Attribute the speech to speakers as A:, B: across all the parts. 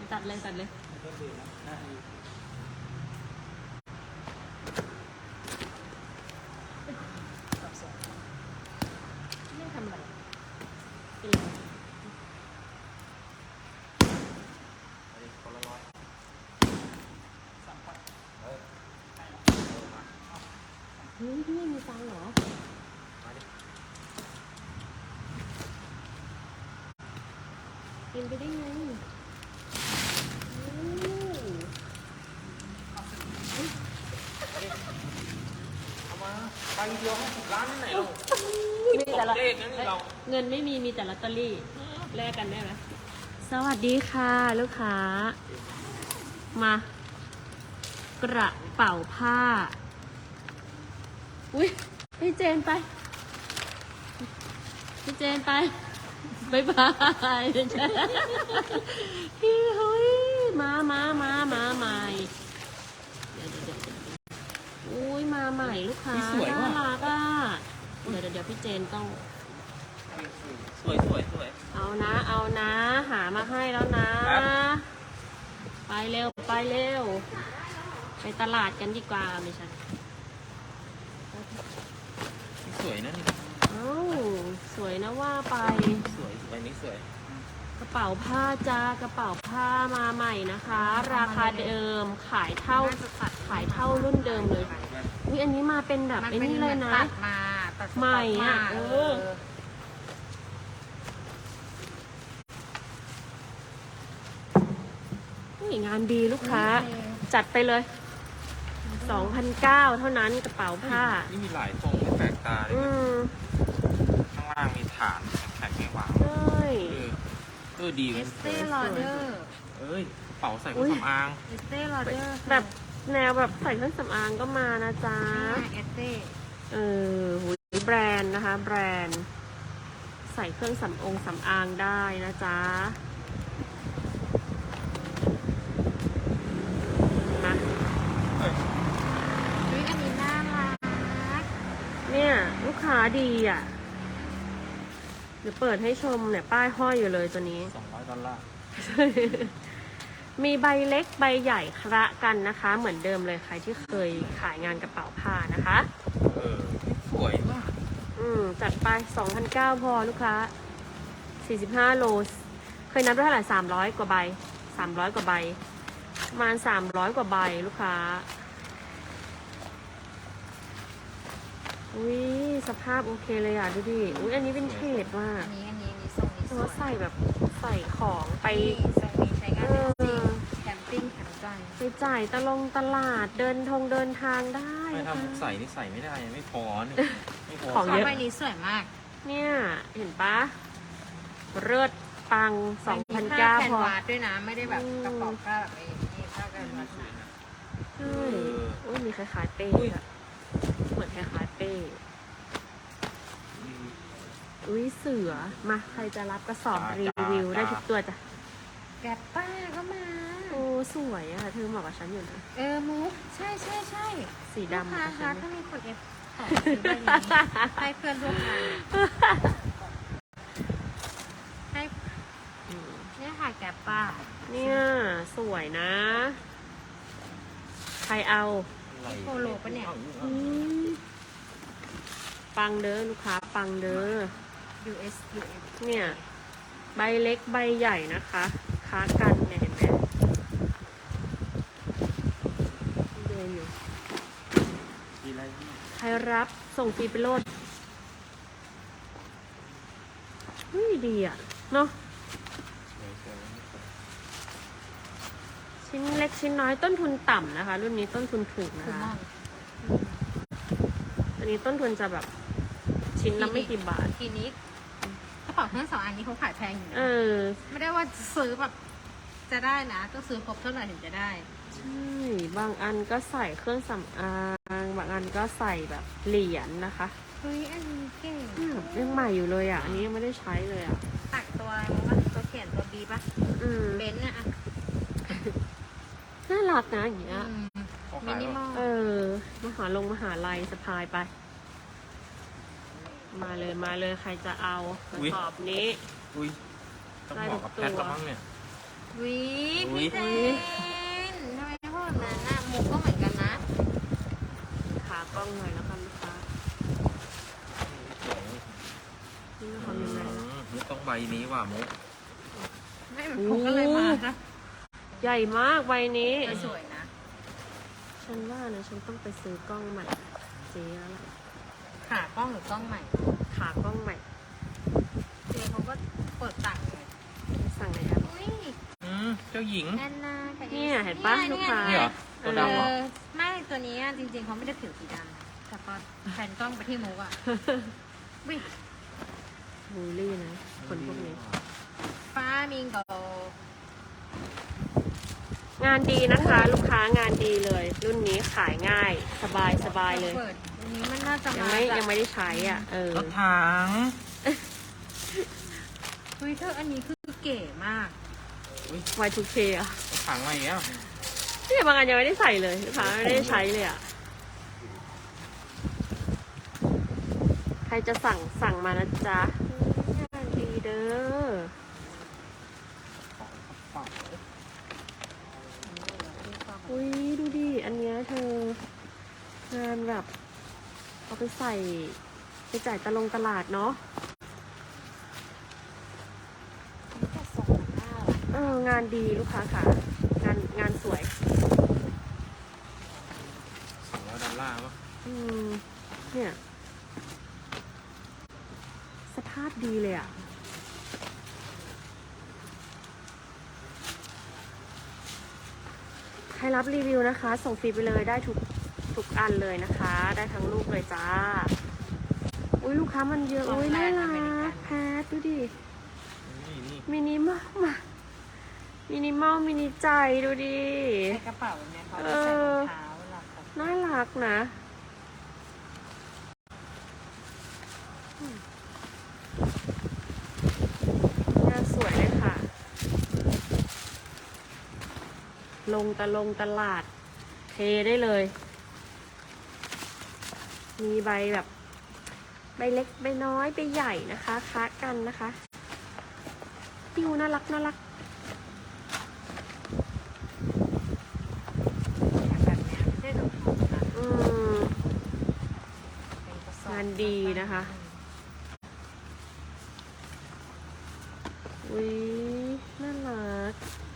A: ตัดเลยตัดเลยไม่ทำอะไรกินเลยเฮ้ยพี่มีตังค์เหรอเป็นไปได้ไง
B: เอามาไปเดียว50 ล้านที่ไหนเรา
A: มีแต่ละ
B: เลขนั้นเรา
A: เงินไม่มีแต่ลอตเตอรี่แลกกันได้ไหมสวัสดีค่ะลูกค้า มากระเป๋าผ้าอุ้ยพี่เจนไปพี่เจนไปบายบายพี่เฮ้ยมาใหม่เดี๋ยวอุ้ยมาใหม่ลูกค้าน่ารักอ่ะเดี๋ยวพี่เจนต้อง
B: สวย
A: เอานะหามาให้แล้วนะไปเร็วไปตลาดกันดีกว่าไม่ใช่
B: สวยนะนี่
A: เอ้าสวยนะว่าไป
B: สวยใบนี้สวย
A: กระเป๋าผ้าจ้ากระเป๋าผ้ามาใหม่นะคะ ราคาเดิมขายเท่ารุ่นเดิมเลยอุ๊ยอันนี้มาเป็นแบบไอ้นี่เลยนะใหม่อ่ะงานดีลูกค้าจัดไปเลย 2,900 เท่านั้นกระเป๋าผ้า
B: นี่มีหลายทรงไม่แปลกตาเลยข้างล่างมีฐานแข็งไม่วางดีเลย
C: Estée Lauder
B: กระเป๋าใส่เครื่องสำอาง
C: Estée Lauder
A: แบบแนวแบบใส่เครื่องสำอางก็มานะจ๊ะ
C: Estée
A: แบรนด์นะคะแบรนด์ใส่เครื่องสำอางได้นะจ๊ะมา
C: อันนี้น่ารัก
A: เนี่ยลูกค้าดีอ่ะเดี๋ยวเปิดให้ชมเนี่ยป้ายห้อยอยู่เลยตัวนี้
B: $200
A: มีใบเล็กใบใหญ่คละกันนะคะ เหมือนเดิมเลยใครที่เคยขายงานกระเป๋าผ้านะคะ
B: สวยมาก
A: จัดไป 2,900 พอลูกค้า45 โลเคยนับได้เท่าไหร่300 กว่าใบ300 กว่าใบประมาณ300 กว่าใบลูกค้าอุ้ยสภาพโอเคเลยอ่ะดูดิอุ้ยอันนี้เป็นเทจว่ะ
C: อันนี้ทรงนี้สวย
A: ใส่แบบใส่ของไป
C: ทรงนี้ใช้งานได้จริงแคมปิ้งแคมป์ใจ
A: ไปจ่ายตลาดเดินทางได้
B: ไม่ทำใส่นี่ใส่ไม่ได้ไม่พอนี่ไม่พอ
A: ของเยอะ
C: ใบนี้สวยมาก
A: เนี่ยเห็นปะเลิศปัง 2,900 พอ
C: ด้วยนะไม่ได้แบบกระป๋องผ้าแบบนี้ผ้ากันมาสวย
A: ใช่อุ้ยมีคล้ายๆเป้อะเหมือนคล้ายๆเป้อุ้ยเสือมาใครจะรับกระสอบรีวิวได้ทุกตัวจ้ะ
C: แกปป้าก็มา
A: โอ้สวยอะเธอเหมาะกับฉันอยู่นะ
C: มุกใช่
A: สีดำ
C: นะคะถ้ามีคนของซื้อใบนี้ให้เพื่อนร่วมงานให้เนี่ยค่ะแกปป้า
A: เนี่ยสวยนะใครเอา
C: โปโลปะเนี่ย
A: ปังเด้อลูกค้าปังเด้อ
C: US
A: เนี่ยใบเล็กใบใหญ่นะคะค้ากันเนี่ยเห็นไหมเดินอยู่ใครรับส่งฟรีไปโลดดีอ่ะเนาะชิ้นเล็กชิ้นน้อยต้นทุนต่ำนะคะรุ่นนี้ต้นทุนถูกนะคะอันนี้ต้นทุนจะแบบชิ้นละไม่กี่บาท
C: ทีนี้กระเป๋าเครื่องสำอางนี้เขาขายแพงอยู่นะไม่ได้ว่าซื้อแบบจะได้นะต้องซื้อครบเท่าไหร่ถึงจะได้
A: ใช่บางอันก็ใส่เครื่องสำอางบางอันก็ใส่แบบเหรียญนะคะ
C: เฮ้ยอันนี้เก่ง
A: ยังใหม่อยู่เลยอ่ะอันนี้ยังไม่ได้ใช้เลยอ่ะ
C: ตักตัวอะไรมั้งตัวเขียนตัวบีป่ะเบนซ์อะ
A: น่ารักนะอย่างเงี้ย
C: มินิมอ
A: ลมหาลัยสะพายไปมาเลยใครจะเอากระสอบนี้
B: ต้องบอกกับแพทแล้วมั้งเนี่ย
C: วิ
B: อุ๊ย
C: พี่เจนทำไมพูดแบบนั้นน่ะมุกก็เหมือนกันนะ
A: ขากล้องหน่อยแล้วกันลูกค้านี่ทำยังไงนะ
B: มุกต้องใบนี้ว่ะมุก
C: ไม่ผมก็เลยมานะ
A: ใหญ่มากใบนี้
C: แต่สวยนะ
A: ฉันว่านะฉันต้องไปซื้อกล้องใหม่เจ๊แล้วล่ะ
C: ขากล้องหรือกล้องใหม่
A: ขากล้องใหม่
C: เจเขาก็เปิดตังค์เลย
A: สั่งในแอป
C: อุ้ย
B: เจ้าหญิง
C: แอนนากับ
A: เนี่ยเห็นปะลูกค้า
B: นี่เหรอตัวดำเหรอ
C: ไม่ตัวนี้อะจริงๆเขาไม่ได้ผิวสีดำนะแต่พอแผนกล้องไปที่มุกอ่ะวิ
A: บูลลี่นะคนพวกนี้
C: ฟ้ามิงโก
A: งานดีนะคะ ลูกค้างานดีเลย รุ่นนี้ขายง่ายสบายสบายเลย
C: เปิดอันนี้มันน่าจะ
A: ยัง
C: มา
A: ไม่
C: จาก
A: ยังไม่ได้ใช้อ่ะ
B: รถถัง
C: เฮ้ยเธออันนี้คือเก๋มาก
A: Y2K อ่ะ
B: รถถังอะไรอย่างเงี้ย
A: นี่บางอันยังไม่ได้ใส่เลยลูกค้าไม่ได้ใช้เลยอ่ะ ใครจะสั่งมานะจ๊ะงานดีเด้อ อุ้ยดูดิ อันเนี้ยเธองานแบบเอาไปใส่ไปจ่ายตลาดเนาะงานดีลูกค้าค่ะ งานสวย
B: $200ป่ะ
A: เนี่ย สภาพดีเลยอ่ะ ใครรับรีวิวนะคะ ส่งฟรีไปเลยได้ทุกอันเลยนะคะ ได้ทั้งลูกเลยจ้า อุ้ยลูกค้ามันเยอะ อุ้ยน่ารักแพทดูดิ
B: นี่
A: มินิมอลมามินิมอลมินิใจดูดิ
C: ในกระเป๋าเนี่ยเขาจะใส่รองเท้าเวลาเขา
A: น่ารักนะงานสวยเลยค่ะ ลงตลาด เทได้เลย มีใบแบบ ใบเล็กใบน้อยใบใหญ่นะคะค้ากันนะคะติวน่ารัก
C: แบบเนี้ยไม่ได้ดูถูกนะ เป็นกระสอบ
A: งานดีนะคะ อุ้ยน่ารัก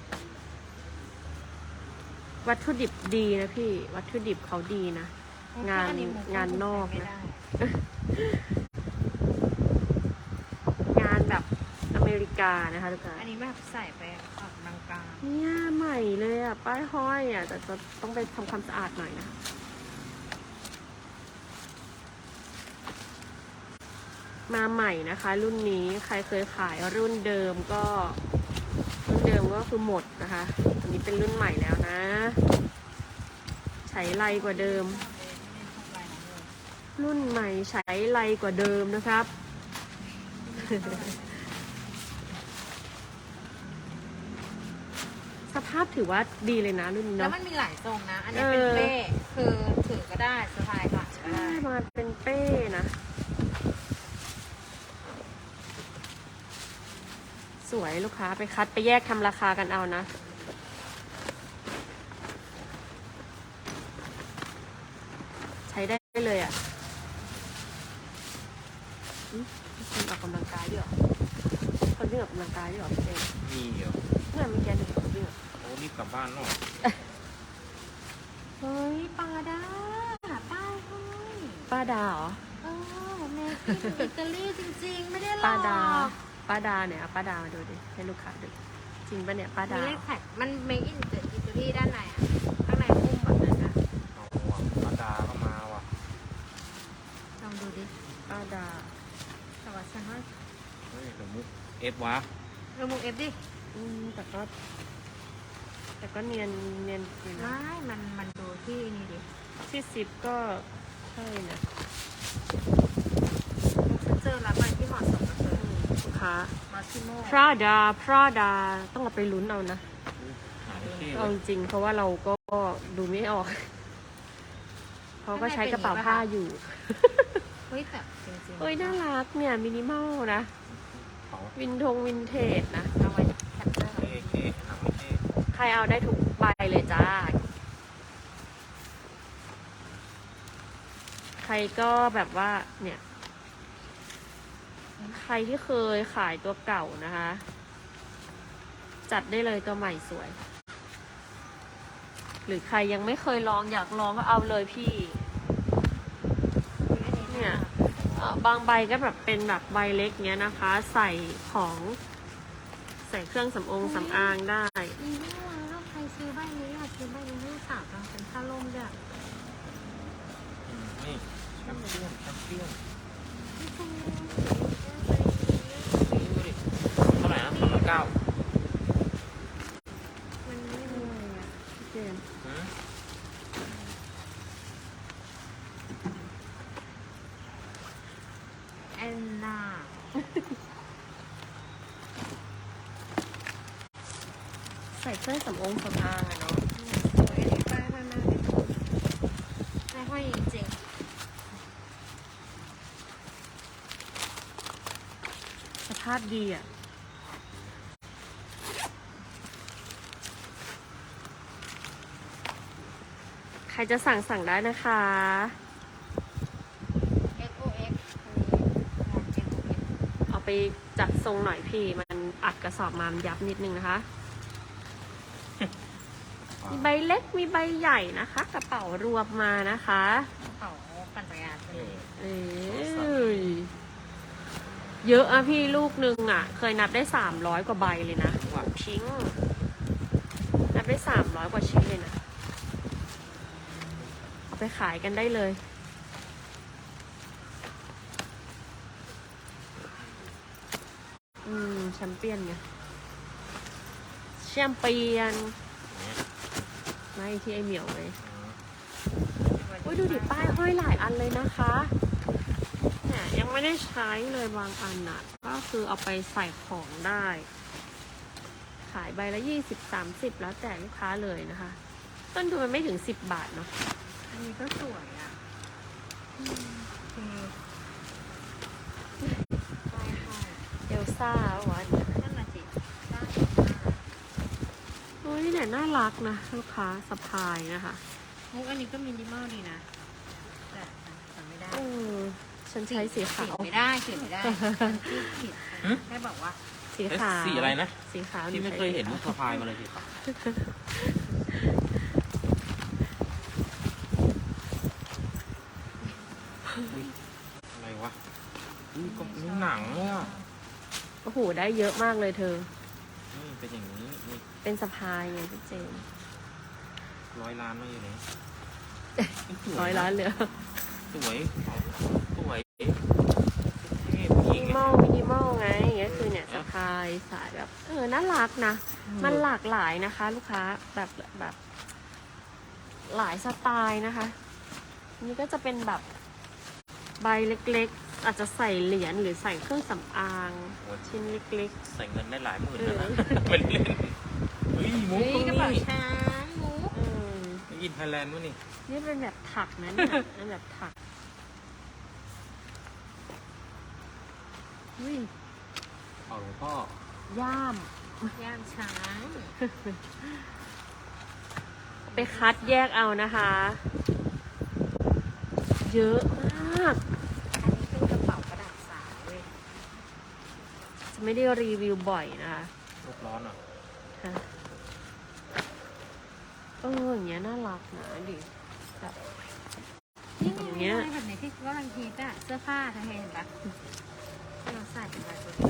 A: วัตถุดิบดีนะพี่ วัตถุดิบเขาดีนะ งานนอกนะ งานแบบอเมริกานะคะทุกคน
C: อันนี้แบบใส่ไปออกกำลังกาย
A: เนี่ยใหม่เลยอ่ะ ป้ายห้อยอ่ะ แต่จะต้องไปทำความสะอาดหน่อยนะ มาใหม่นะคะ รุ่นนี้ใครเคยขายรุ่นเดิมก็คือหมดนะคะ อันนี้เป็นรุ่นใหม่แล้วนะ ใช้ไรกว่าเดิม รุ่นใหม่ใช้ไรกว่าเดิมนะครับ สภาพถือว่าดีเลยนะรุ่นนี้
C: แล้ว
A: เนาะ
C: มันมีหลายทรงนะ อันนี้เป็นเป้คือถือก็ได้สะพายค่ะก็
A: ใช่
C: ได้
A: มาเป็นเป้นะ สวยลูกค้าไปคัดไปแยกทำราคากันเอานะ ใช้ได้เลยอ่ะคนออกกำลังกายด้วยเหรอคนวิ่งออกกำลังกายด้วยเหรอพี่เจน
B: มีเหรอ
A: เนี่ยมีแกนคนวิ่งอะ
B: โอ้รีบกลับบ้านเนาะ
C: เฮ้ยปาด้าป้ายห้อย
A: ป้าดาเหรอ
C: เออเมกินอิตาลีจริงๆ ไม่ได้หลอก
A: ป้าดาเนี่ยเอาป้าดามาดูดิให้ลูกค้าดูจริงปะเนี่ยป้า
C: มี
A: ดา
C: เลขแท็กมันเมกินอิตาลีด้านในอ่ะ ข้างในพุ่มแบบนั้นนะ
B: เอาว่ะป้าดาก็มาว่ะ
C: ลองดูดิ
A: ป้าดา
C: แต่ว่าฉันว่า
B: เฮ้ยเดี๋ยวมุกเอฟวะ
C: มุกเอฟดิ
A: แต่ก็เนียนอยู่นะ
C: ไม่มันดูที่นี่ดิ
A: ที่10ก็ใช่นะ
C: ฉันเจอร้านใหม่ที่เหมาะสมกับเธอ
A: ลูกค้า
C: มาซิโม
A: Prada ต้องเอาไปลุ้นเอานะ
B: หาที่
A: เอาจริงๆเพราะว่าเราก็ดูไม่ออก เขาก็ใช้กระเป๋าผ้าอยู่
C: เฮ้ยแต่จริงๆ
A: เอ้ยน่ารักเนี่ยมินิมอลนะ
B: เขา
A: วินเทจนะ
C: เอาไว้แคปเจอร์
B: เอหนังไม่
A: รเอาได้ทุกใบเลยจ้า ใครก็แบบว่าเนี่ย ใครที่เคยขายตัวเก่านะคะ จัดได้เลยตัวใหม่สวย หรือใครยังไม่เคยลองอยากลองก็เอาเลยพี่ เนี่ยบางใบก็แบบเป็นแบบใบเล็กเนี้ยนะคะ ใส่ของใส่เครื่องสำอางได้
C: อีนี่ว่าถ้าใครซื้อใบนี้อยากซื้อใบนี้ให้สาวทำเป็นผ้าล่มด้วย
B: นี่แชมเปี้ยนดูดิเท่าไหร่นะ3,900
C: มันไม่มีเลยอะ
A: เจน
C: แอนนา
A: ใส่เครื่องสำอางอะเนาะ
C: สวยดีป้ายมากเลยไม่ห้อยจริง
A: สภาพดีอ่ะ ใครจะสั่งได้นะคะ
C: XOX
A: เอาไปจัดทรงหน่อยพี่ มันอัดกระสอบมามันยับนิดนึงนะคะ มีใบเล็กมีใบใหญ่นะคะ กระเป๋ารวมมานะคะ
C: เขาปั่นจักรยานไปเลย
A: เอ้ยเยอะอะพี่ลูกนึงอะเคยนับได้300 กว่าใบเลยนะหวังทิ้ง นับได้300 กว่าชิ้นเลยนะ เอาไปขายกันได้เลย แชมเปี้ยนไงแชมเปี้ยนไม่ที่ไอเหมียวไงอุ้ยดูดิป้ายห้อยหลายอันเลยนะคะเนี่ยยังไม่ได้ใช้เลยบางอันน่ะ ก็คือเอาไปใส่ของได้ ขายใบละ20-30แล้วแต่ลูกค้าเลยนะคะ ต้นทุนมันไม่ถึง10 บาทเนาะ
C: อันนี้ก็สวยอ่ะใช่ค่ะ
A: เอลซ่าวัน
C: นั่นน่ะสิได้
A: โอ้ยนี่เนี่ยน่ารักนะลูกค้าสะพายนะคะ
C: มุกอันนี้ก็มินิมอลดีนะแต่ไม่ได้
A: ฉันใช้สีขาว
C: ไม่ได้เขียนไม่ได้มันที่ผิดแค่บอกว่า
A: สีขาว
B: สีอะไรนะ
A: สีขาว
B: ที่ไม่เคยเห็นลูกสะพายมาเลยสิครับอะไรวะนี่ก็มีหนังเนี่ย
A: โอ้โหได้เยอะมากเลยเธอ
B: นี่เป็นอย่างนี้นี่
A: เป็นสะพายไงพี่เจน
B: 100 ล้านไม่อยู่เลย
A: 100 ล้านเหลือ
B: สวยสวยเท่ผู้ห
A: มิ
B: ญิง
A: นิมอลมินิมอลไงก็คือเนี่ยสะพายสายแบบน่ารักนะ มันหลากหลายนะคะ ลูกค้าแบบหลายสไตล์นะคะอันนี่ก็จะเป็นแบบใบเล็กๆ อาจจะใส่เหรียญหรือใส่เครื่องสำอางชิ้นเล็ก
B: ใส่เงินได้หลายหมื่นนะเป็นเล่นเฮ้ยมุก
C: นี่กระเป๋า
B: นี่
C: ช้างมุก
B: ไม่กินไทยแลนด์มั้ยนี่
A: นี่เป็นแบบถักนะเนี่ยเป็นแบบถักอุ้ย
B: เอาหลวงพ่อย่
A: าม
C: ย่ามช้าง
A: ไปคัดแยกเอานะคะ เยอะมาก
C: อันนี้เป็นกระเป๋ากระดาษสายเว้ย
A: จะไม่ได้รีวิวบ่อยนะคะ
B: ลูกร้อนอ่ะ
A: ค่ะอย่างเงี้ยน่ารักนะดิแบบ
C: นี่
A: อย่างเงี้ย
C: แบบไหนที่กำลังฮิตอะเสื้อผ้าเธอเห็นปะที่เราใส่เป็นลายตัวเอง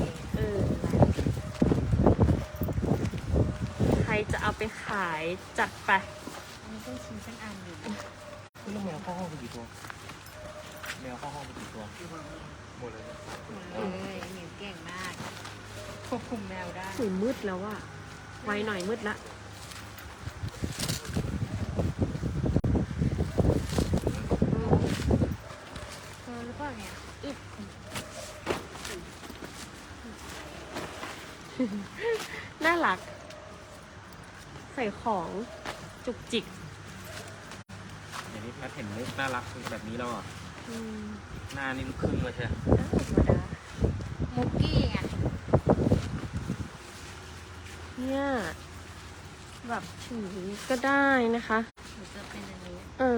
A: ใครจะเอาไปขายจัดไป
C: อันนี้เป็นชิ้นเป็นอันอยู่
B: แล้วแมวเข้าห้องไปกี่ตัว แมวเข้าห้องไปกี่ตัว หมดเลย
C: เลยหมิวเก่งมากควบคุมแมวได้
A: สูมืดแล้วอะไวหน่อยมืดละ
C: หรือเปล่าเนี่ย
A: น่ารัก ใส่ของจุกจิก
B: อย่างนี้แพทเห็นมุกน่ารักแบบนี้แล้วอ่ะ
A: อืม
B: หน้านี่ลูกครึ่งเลยใช่ไหม
A: ธรรมดา
C: มุกกี้ไง
A: เนี่ยแบบถือก็ได้นะคะ
C: หรือจะเป็นอันนี้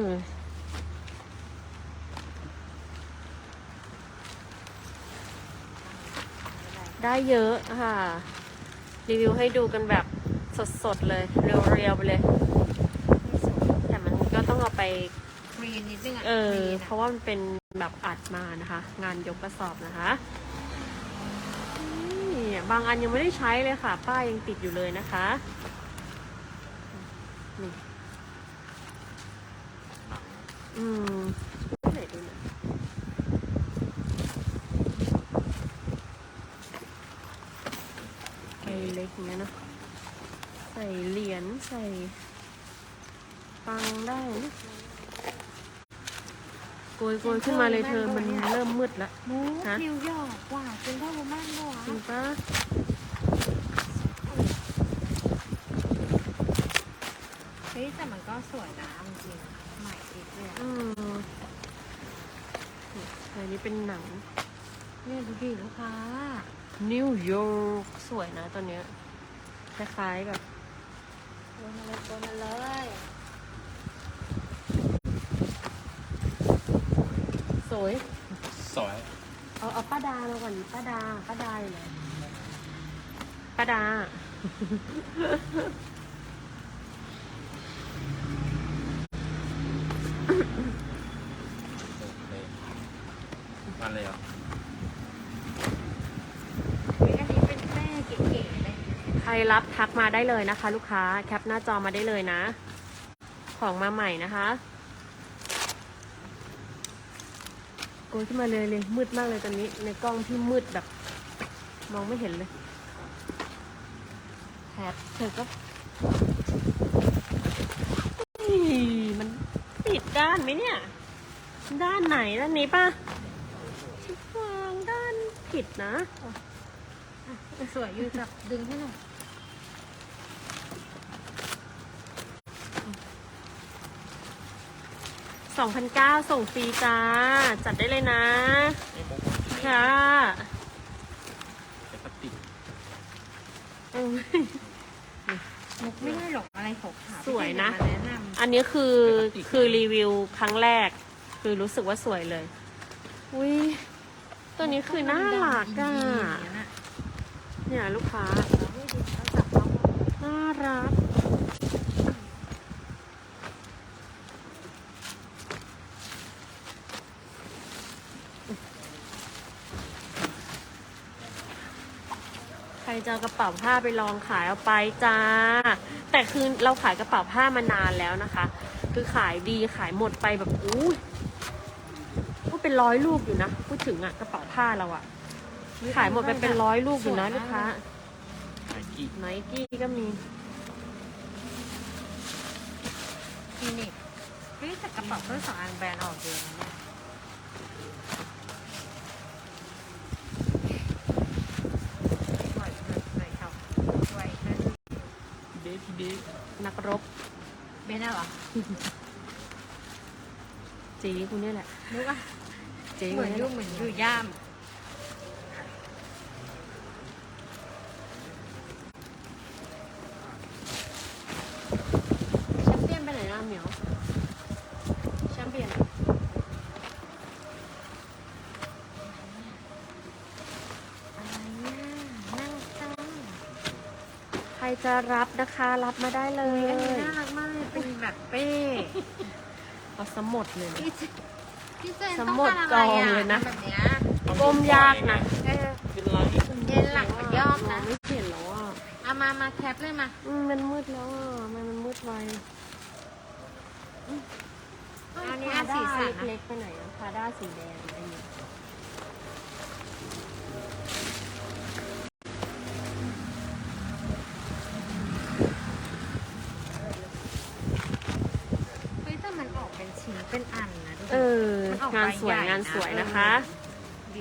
A: ได้เยอะค่ะ รีวิวให้ดูกันแบบสดๆเลย เรียวๆไปเลย
C: ไม่สวย
A: แต่มันก็ต้องเอาไป
C: คลีนนิดนึงอ่ะ
A: เพ
C: คลีน
A: ราะว่ามันเป็นแบบอัดมานะคะ งานยกกระสอบนะคะนี่บางอันยังไม่ได้ใช้เลยค่ะ ป้ายยังติดอยู่เลยนะคะนี่
B: หนัง
A: ไหนดูหนะใส่เล็กอย่างเงี้ยเนอะใส่เหรียญใส่ปังได้นะโกยขึ้นมาเลยเธอมันเริ่มมืดแล้ว
C: มู
A: ฮะ
C: นิวยอร์กว่ะเป็นเท่าโรมันเหรอ
A: จริงปะ
C: เฮ้ยแต่มันก็สวยนะจริงๆใหม่อีกเลย
A: อันนี้เป็นหนัง
C: เนี่ยดูดิลูกค้า
A: นิวยอร์กสวยนะตัวเนี้ยคล้ายๆแบบ
C: โดนมาเลย
A: สวย
B: สวย
A: เอาป้าดามาก่อนป้าดาอยู่ไหนป้าดา
B: มาเลยเหรอ
C: เฮ้ยอันนี้เป็นแม่เก๋ๆเลย
A: ใครรับทักมาได้เลยนะคะ ลูกค้าแคปหน้าจอมาได้เลยนะ ของมาใหม่นะคะโกยขึ้นมาเลยมืดมากเลยตอนนี้ในกล้องที่มืดแบบ มองไม่เห็นเลยแพทเธอก็มันปิดด้านไหมเนี่ย ด้านไหนด้านนี้ป่ะวางด้านผิดนะ
C: สวยอยู่จับดึงให้หน่อย
A: 2,900ส่งฟรีจ้า จัดได้เลยนะ
B: นี่มุก
A: ค่ะ
B: เป็นพลาสติก
C: มุกไม่ได้หรอกอะไรขาวๆ
A: สวยนะ
C: พี่เจมาแนะน
A: อันนี้คือรีวิวครั้งแรก คือรู้สึกว่าสวยเลย อุ้ย ตัว
C: ำ
A: นี้คือน่ารักอ่ะ
C: อย่างเงี้ยน่ะ
A: เนี่ยลูกค้า
C: แล้วไม่ดูเขาจับเขา
A: น่ารัก ใครจะเอากระเป๋าผ้าไปลองขายเอาไปจ้า แต่คือเราขายกระเป๋าผ้ามานานแล้วนะคะ คือขายดีขายหมดไปแบบอู้ก็เป็น100 ลูกอยู่นะ พูดถึงอะกระเป๋าผ้าเราอะขายหมดไปเป็น100 ลูกอยู่นะลูกค้า
B: ไนกี้
A: ไนกี้ก็มี
C: คลินิกเฮ้ยแต่กระเป๋าเครื่องสำอางแบรนด์ออกเยอะนะเนี่ยสวยครับสวยนะ
B: เดทีเด
A: นักรบ
C: เบนน่ะเหรอ
A: จีคุณเนี่ยแหละ
C: นุกอะ
A: จี
C: เหมือน
A: คุณ
C: อ
A: นี่
C: ยู่
A: แหละ
C: เหมือนอยู่ย่าม
A: แชมเปี้ยนไปไหนล่ะเหมียวแชมเปี้ยน
C: อะไรเนี่ยนั่งจ้อง
A: ใครจะรับนะคะรับมาได้เล
C: อันนี้
A: ย
C: น่ารักมากเลยเป็นแบบเป้
A: เอาสมดเลยนะ
C: พี่เจน
A: ส
C: ต้อง
A: มด
C: การอะไร
A: กอง
C: อ่ะ
A: เลยนะ
C: แบบเนี้ย
A: ก้มยากนะ
C: เออ
B: เป็นไร
C: เย็นหลังมันยอกนะ
A: มงไม่เห็นแล้วอ่ะ
C: เอามาแคปเลยมา
A: มันมืดแล้วอ่ะทำไมมันมืดไว
C: อันนี้อันสีสันนะ
A: เล็กๆไปไหนอะพาด้าสีแดงอันนี้
C: เฮ้ยแต่มันออกเป็นชิ้นเป็นอันนะดูดิ
A: เออ
C: มันออก
A: งานสวย
C: ใบใหญ่
A: งานสวยนะคะ
C: ดิ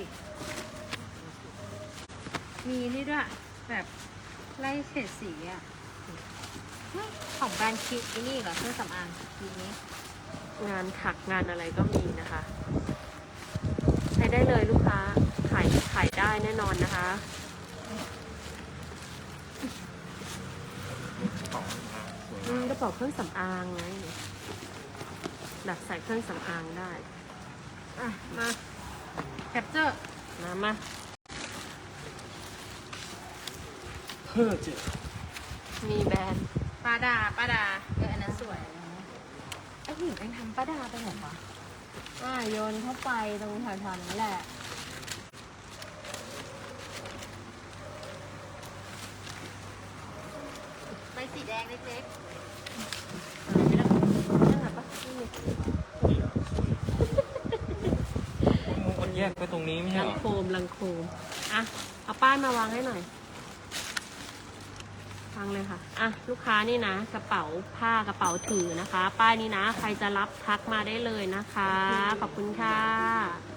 C: มีนี่ด้วย แบบไล่เฉดสีอ่ะเฮ้ยของแบรนด์คิดนี่เหรอเครื่องสำอางทีนี้
A: งานถักงานอะไรก็มีนะคะใช้ได้เลยลูกค้าขายได้แน่นอนนะคะ
B: ของ
A: กระเป๋าเครื่องสำอางไงแบบใส่เครื่องสำอางได้อ่ะมา
C: แคปเจอร์
A: มา
B: เพื่อจะ
A: มีแบรนด์
C: ป้าดาอันนั้นสวยไอ้หญิงเองทำป้าดาไปไหนวะ
A: โยนเข้าไปตรงแถวๆนั้นแหละ
C: ใบสีแดงเล็ก
A: นั่นแหละปะนี่
B: มันแยกไปตรงนี้ไม่ใช่
A: ลั
B: เห
A: ง
B: รอ
A: โคมอ่ะเอาป้ายมาวางให้หน่อยวางเลยค่ะอ่ะลูกค้านี่นะกระเป๋าผ้ากระเป๋าถือนะคะ ป้ายนี้นะใครจะรับทักมาได้เลยนะคะขอบคุณค่ะ